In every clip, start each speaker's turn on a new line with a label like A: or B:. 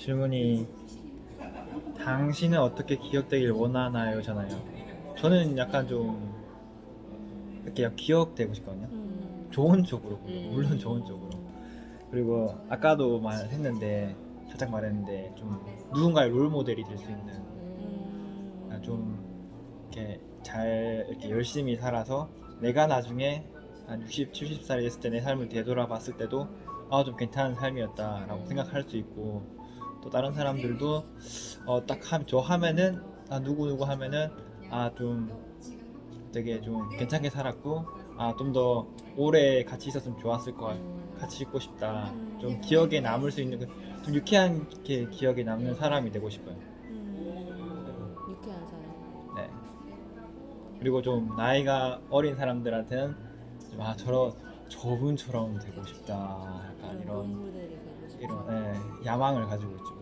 A: 질문이 당신은 어떻게 기억되길 원하나요? 잖아요. 저는 약간 좀 이렇게 기억되고 싶거든요. 좋은 쪽으로, 물론 좋은 쪽으로. 그리고 아까도 말했는데 살짝 말했는데 좀 누군가의 롤 모델이 될 수 있는 좀 이렇게 잘 이렇게 열심히 살아서 내가 나중에 한 60, 70살이 됐을 때 내 삶을 되돌아봤을 때도 좀 괜찮은 삶이었다라고 생각할 수 있고 또 다른 사람들도 저 하면은 누구 하면은 좀 되게 좀 괜찮게 살았고 좀 더 오래 같이 있었으면 좋았을 것 같, 같이 있고 싶다. 좀 기억에 남을 수 있는 좀 유쾌하게 기억에 남는 사람이 되고 싶어요.
B: 유쾌한 사람.
A: 네. 그리고 좀 나이가 어린 사람들한테는 좀 저분처럼 되고 싶다. 약간
B: 그런 롤 모델이 되고 싶다.
A: 야망을 가지고 있죠.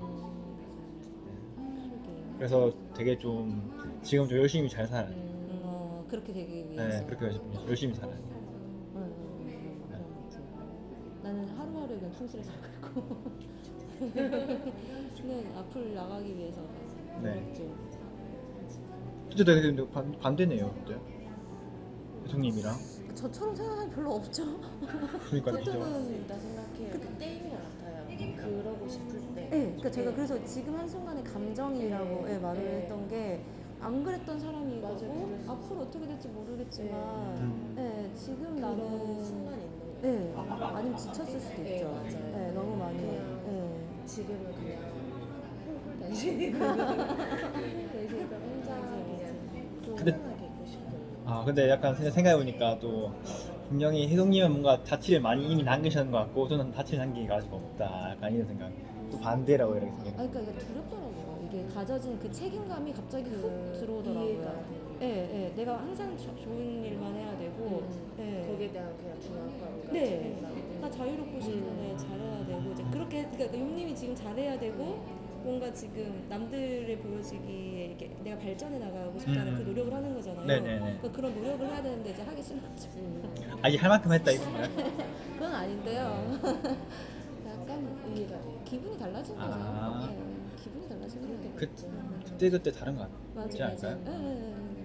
B: 그러게요.
A: 그래서 되게 좀 지금 좀 열심히 잘 살아요.
B: 그렇게 되기 위해서.
A: 네, 그렇게 열심히 살아요.
B: 그런 거지. 나는 하루하루에 그냥 충실히 살고 있고. 는 앞을 나가기 위해서.
A: 네.
B: 좀.
A: 진짜 되게 근데 반대네요, 그때. 교수님이랑.
B: 저처럼 생각하는 별로 없죠.
A: 그러니까 진짜.
B: 보통은
C: 있다 생각해요. 그 때인 것 같아요. 그러고 싶을 때.
B: 네, 그러니까 제가 그래서 지금 한순간에 감정이라고 말을 했던 게 안 그랬던 사람이고
C: 맞아요, 그랬어요.
B: 앞으로 어떻게 될지 모르겠지만 지금
C: 그런
B: 나는
C: 순간이 있는 거예요.
B: 아니면 지쳤을 수도
C: 네,
B: 있죠.
C: 맞아요.
B: 너무 많이.
C: 그냥 지금은 그냥 당신이 혼자 그냥
A: 근데-
C: 편안하게 있고 싶은.
A: 근데 약간 생각해보니까 또 분명히 혜동님은 뭔가 자취를 많이 이미 남기셨는 것 같고 저는 자취를 남기기가 아직 없다. 약간 이런 생각. 또 반대라고 이렇게 생각.
B: 그러니까 이게 두렵더라고요. 이게 가져진 그 책임감이 갑자기 훅
C: 이해가
B: 들어오더라고요.
C: 돼요.
B: 내가 항상 좋은 일만 해야 되고,
C: 거기에 대한 그냥 중압감과
B: 네,
C: 책임감.
B: 나 자유롭고 싶은데 잘해야 되고 이제 그렇게 그러니까 용님이 지금 잘해야 되고 뭔가 지금 남들에 보여지기에 이렇게 내가 발전해 나가고 싶다는 그 노력을 하는 거잖아요.
A: 네네네.
B: 그러니까 그런 노력을 해야 되는데 이제 하기 싫은 거죠.
A: 이제 할 만큼 했다 이건가요?
B: 그건 아닌데요. 약간
C: 이해가 돼요.
B: 기분이 달라진 거죠.
A: 아.
B: 기분이 달라진 거예요.
A: 그때 다른 거
B: 맞아,
A: 같지 않을까요?
B: 맞아.